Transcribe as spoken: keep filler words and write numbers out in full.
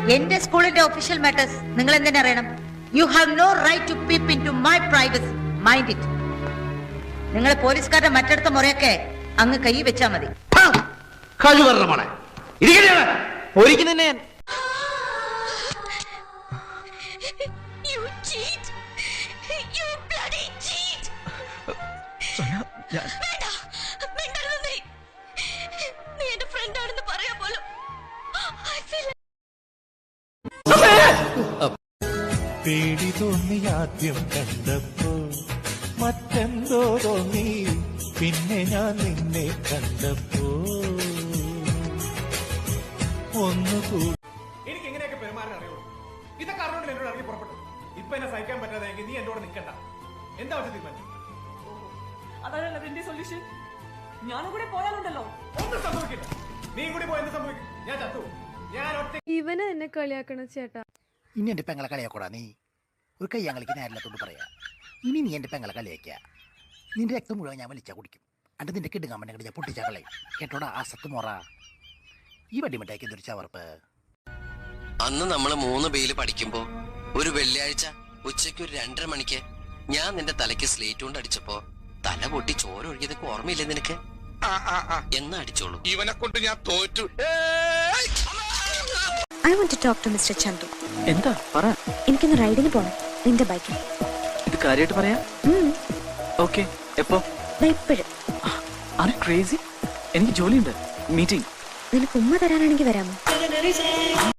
എന്റെ സ്കൂളിന്റെ official matters നിങ്ങൾ എന്തിനാ അറിയണം? You have no right to peep in to my privacy. Mind it. നിങ്ങൾ പോലീസുകാരുടെ മറ്റടുത്ത മുറയൊക്കെ അങ്ങ് കൈ വെച്ചാ മതി. പേടി തോന്നി ആദ്യം കണ്ടപ്പോ മറ്റെന്തോ തോന്നി പിന്നെ ഞാൻ നിന്നെ കണ്ടപ്പോ ഒന്നുകൂടി. എനിക്ക് എങ്ങനെയൊക്കെ പെരുമാറാൻ അറിയുള്ളൂ. ഇതൊക്കെ അറിഞ്ഞോണ്ട് എന്നോട് ഇറങ്ങി പുറപ്പെട്ടു. ഇപ്പൊ എന്നെ സഹിക്കാൻ പറ്റാതെങ്കിൽ നീ എന്നോട് നിൽക്കണ്ട. എന്താ വെച്ചാൽ തീരുമാനിച്ചു? അതല്ല എന്റെ സൊല്യൂഷൻ. ഞാനും കൂടെ പോയാലുണ്ടല്ലോ ഒന്നും സംഭവിക്കില്ല. നീ കൂടി പോയി എന്ത് സംഭവിക്കും? ഞാൻ ചത്തു. ഞാൻ ഒറ്റ ഇവനെ എന്നെ കളിയാക്കണ ചേട്ടാ. ഇനി എന്റെ പെങ്ങളെ കളിയാക്കൂടാ. നീ ഒരു കൈ ഞങ്ങൾക്ക് നേരില്ലാത്തോണ്ട് പറയാ. ഇനി നീ എന്റെ പെങ്ങളെ കളിയാക്കിയ നിന്റെ രക്തം മുഴുവൻ ഞാൻ വലിച്ചാ കുടിക്കും. അണ്ട് നിന്റെ കിടുങ്ങാൻ വേണ്ടി ഞാൻ പൊട്ടിച്ചാ കളയും. കേട്ടോടാ ആ സത്ത് മോറ. ഈ വടിമിട്ടാക്കി എന്തൊരു ചവർപ്പ്. അന്ന് നമ്മള് മൂന്ന് ബെയില് പഠിക്കുമ്പോ ഒരു വെള്ളിയാഴ്ച ഉച്ചയ്ക്ക് ഒരു രണ്ടര മണിക്ക് ഞാൻ നിന്റെ തലയ്ക്ക് സ്ലേറ്റ് കൊണ്ട് അടിച്ചപ്പോ തല പൊട്ടി ചോര ഒഴുകിയതൊക്കെ ഓർമ്മയില്ലേ നിനക്ക്? എന്നാ അടിച്ചോളൂ. ഇവനെ കൊണ്ട് ഞാൻ തോറ്റു. I want to talk to mister Chandu. എന്താ പറ? എനിക്കൊന്ന് റൈഡിന് പോണം നിന്റെ ബൈക്കിൽ. ഇത് കാര്യമായിട്ട് പറയാ? ഓക്കെ. എപ്പോ? ഇപ്പോഴും. Are you crazy? എനിക്ക് ജോലിയുണ്ട്. മീറ്റിംഗ്. നിനക്ക് ഉമ്മ തരാനാണെങ്കിൽ വരാമോ?